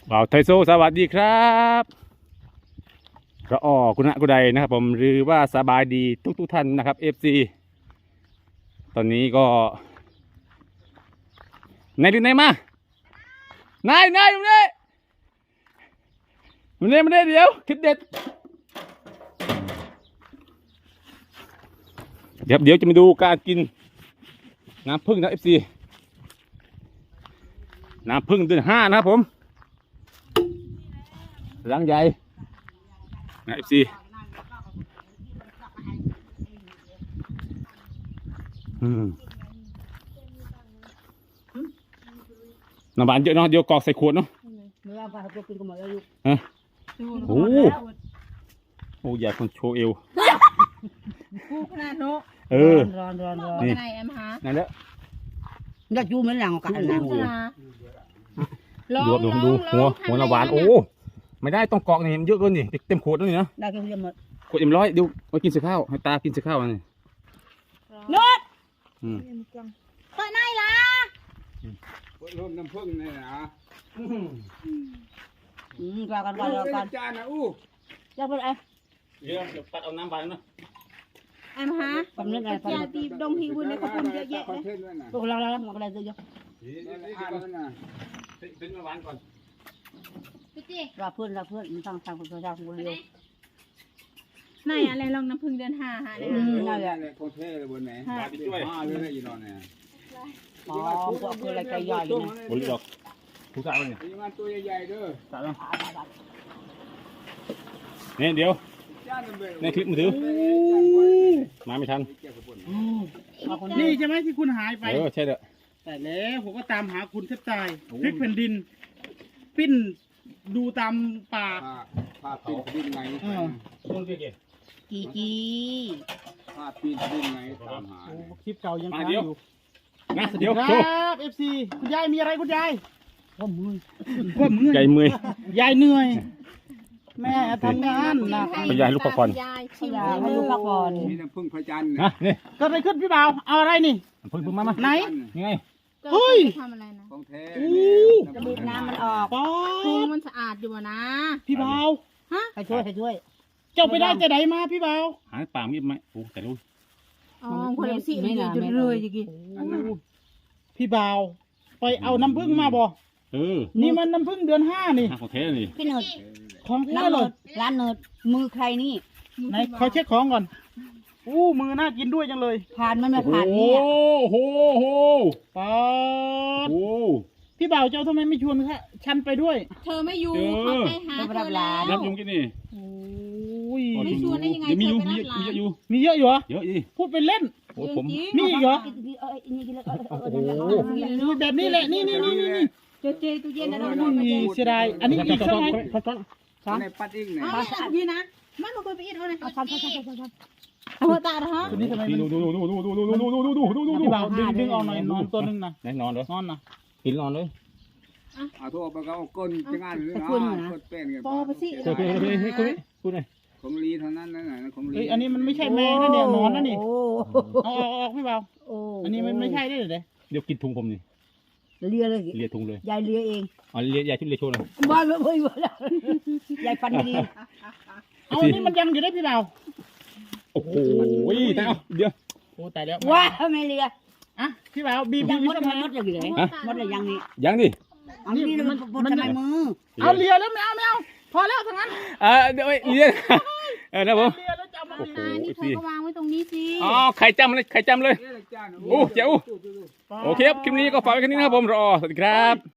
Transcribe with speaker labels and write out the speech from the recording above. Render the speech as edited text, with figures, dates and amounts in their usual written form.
Speaker 1: บ่าวไทโซสวัสดีครับกระอ้อกุณะกุไดนะครับผมหรือว่าสบายดีทุกท่านนะครับ FC ตอนนี้ก็นายดูนายมานายมาเนี่ยเดี๋ยวคลิปเด็ดเดี๋ยวจะมาดูการกินน้ำผึ้งนะ FC น้ำผึ้งเดือน5นะครับผมรังใหญ่นะ FC น้ำหวานเยอะเนาะเดี๋ยวกรอกใส่ขวดเนาะฮะโอ้ใหญ่คนโชว์เอว
Speaker 2: กูขนาดโน้
Speaker 1: ร้อน
Speaker 2: นี่ไหนแอมฮะ
Speaker 1: นั่นแหละ
Speaker 3: อยากจูเหมือนหลังกันนะ
Speaker 1: ดูหัวน้ำหวานโอ้ไม่ได้ต้องกรอกนี่มันเยอะเกินนี่เต็มขวดแล้วนี่นะ
Speaker 3: ได้ก็เยอะหมด
Speaker 1: ขวด100เดี๋ยวมากินเสข้าวให้ตากินเสข้าวนี่
Speaker 2: นดเปิดไหนล่ะ
Speaker 4: ร่วมน้ำผึ้งนี่นะ
Speaker 3: กลากัน
Speaker 4: จานนะ
Speaker 3: อยากเป็นไง
Speaker 1: เดี๋ยวปัดเอาน้ำหวานเนาะ
Speaker 2: แอมฮะยาตีดงฮิวในขบุนเยอะแยะเลย
Speaker 3: พวกเราหมดอะไรเยอะ
Speaker 1: เป็นน้ำหวานก่อน
Speaker 2: พี่จี
Speaker 3: เราเพื่อนมันทางคนชาวคนเดียว
Speaker 2: ไหนอะไรลองน้ำพึ่งเดือน5ฮะเนี่ย
Speaker 3: นั่นแหละ
Speaker 4: คนเท่เลยบนไหนเลยอยู่นอนเนี่ย
Speaker 3: อ๋อพวกคืออะไรใจใหญ่นะ
Speaker 1: บริจาคทุกสาวเนี่ย
Speaker 4: มีงานตัวใหญ่ๆเด้อ
Speaker 1: สาวเนี่ยเดี๋ยวในคลิปมือถือมาไม่ทัน
Speaker 5: นี่ใช่ไหมที่คุณหายไป
Speaker 1: ใช่เด้อ
Speaker 5: แต่แล้วผมก็ตามหาคุณแทบตายพลิกแผ่นดินปิ้นดูตามป่า
Speaker 4: พาปีนดินไง
Speaker 1: ต้นเกี่ย
Speaker 3: กี
Speaker 4: พาปีนดินไงตามหา
Speaker 5: คลิปเก่ายังค้างอยู่
Speaker 1: นะเดี๋ยว
Speaker 5: ครับFC คุณยายมีอะไรคุณยาย
Speaker 3: ว่ามือ
Speaker 1: ใหญ่มื
Speaker 5: ยายเหนื่อยแม่ทำงานหนัก
Speaker 1: ยายลูกพักผ่อน
Speaker 3: ให้ลูกพักผ่อน
Speaker 4: มีน้ำผึ้งพระจันทร์
Speaker 1: นะนี่
Speaker 5: ก็ไปขึ้นพี่บ่าวเอาอะไรนี่
Speaker 1: พึ่งมา
Speaker 5: ไหน
Speaker 1: ยังไง
Speaker 5: เฮ้ย
Speaker 2: ทำอะไรนะ
Speaker 4: ของแท้
Speaker 3: จะบีบน้ำมันออก
Speaker 2: คูมันสะอาดอยู่นะ
Speaker 5: พี่บ่าว
Speaker 2: ฮะ
Speaker 3: ให้ช่วย
Speaker 5: เจ้าไปได้จะไหนมาพี่บ่าว
Speaker 1: หาป่ามีไหมโอ้แต่รู้
Speaker 2: อ๋อคนละสิไม่จุดเลยจริง
Speaker 5: พี่บ่าวไปเอาน้ำผึ้งมาบ่นี่มันน้ำผึ้งเดือน5นี่
Speaker 1: ของแท้นี่
Speaker 3: พี่เนิร์ด
Speaker 5: ของแท้เลย
Speaker 3: ร้านเนิร์ดมือใครนี่
Speaker 5: ไหนขอเช็คของก่อนมือน่ากินด้วยจังเลย
Speaker 3: ผ่านมันไม่ผ่านนี่
Speaker 1: โอ้โห
Speaker 5: ป๊าดพี่บ่าวเจ้าทำไมไม่ชวนฉันไปด้วย
Speaker 2: เธอไม่อยู่เขาไปหาเธอแล้ว
Speaker 1: รับยุงกันนี่
Speaker 2: ไม่ชวนได้ยังไง
Speaker 1: มียุง
Speaker 5: มีเยอะอยู่เหรอ
Speaker 1: เยอะดิ
Speaker 5: พูดเป็นเล่น
Speaker 1: ผม
Speaker 5: มีอีกเหรอแบบนี้แหละนี่
Speaker 2: เจตู้เย็นนะน้อง
Speaker 5: เสียดายอันนี้อีกเท่าไหร่
Speaker 4: ในปัดอีกไหน
Speaker 2: พี่นะมันมาคุยไปอีกเท่าไหร่เอาตาเหรอ
Speaker 5: ตัวนี้ทำไมดูพี่บ่าวดึงเอาหน่อยนอนตัวนึงนะ
Speaker 1: นอนเลย
Speaker 5: นอนนะ
Speaker 1: กินนอนเลย
Speaker 4: เอาทั่วไปเขาก้นจะงานหรือก้นเป็นกัน
Speaker 2: ปอไปสิ
Speaker 1: คุณไง
Speaker 4: ของลีเท่านั้นนะของลี
Speaker 5: อันนี้มันไม่ใช่แมงนะเนี่ยนอนนะนี่ออกพี่บ่าวอันนี้มันไม่ใช่ได้เลย
Speaker 1: เดี๋ยวกินถุงผมนี่
Speaker 3: เลียเลย
Speaker 1: เลียถุงเลย
Speaker 3: ยายเลียเอง
Speaker 1: เลียยายชุดเลียโชว์เลย
Speaker 3: บ้านไม่เคยบ้านยายฟันดี
Speaker 5: เอานี่มันยังอยู่ได้พี่บ่าว
Speaker 1: โอ้โหแต่เดี๋ยว
Speaker 5: ตายแล้ว
Speaker 3: ว้าไม่เลีย
Speaker 5: พี่บ่าวบีบ
Speaker 3: มดอย่างไรมดอะไรยังนี่
Speaker 1: ยังดิ
Speaker 3: อันนี้มันทำไมมือ
Speaker 5: เอาเลียแล้วไม่เอาพอแล้วทั้งนั้น
Speaker 1: เดี๋ยวเลียนะผม
Speaker 2: เลียแล้วจะเอามานี่เธอก็วางไว้ตรงนี้สิ
Speaker 1: ไข่จำเลยโอ้เจ๋วโอเคครับคลิปนี้ก็ฝากไว้แค่นี้นะครับผมรอสวัสดีครับ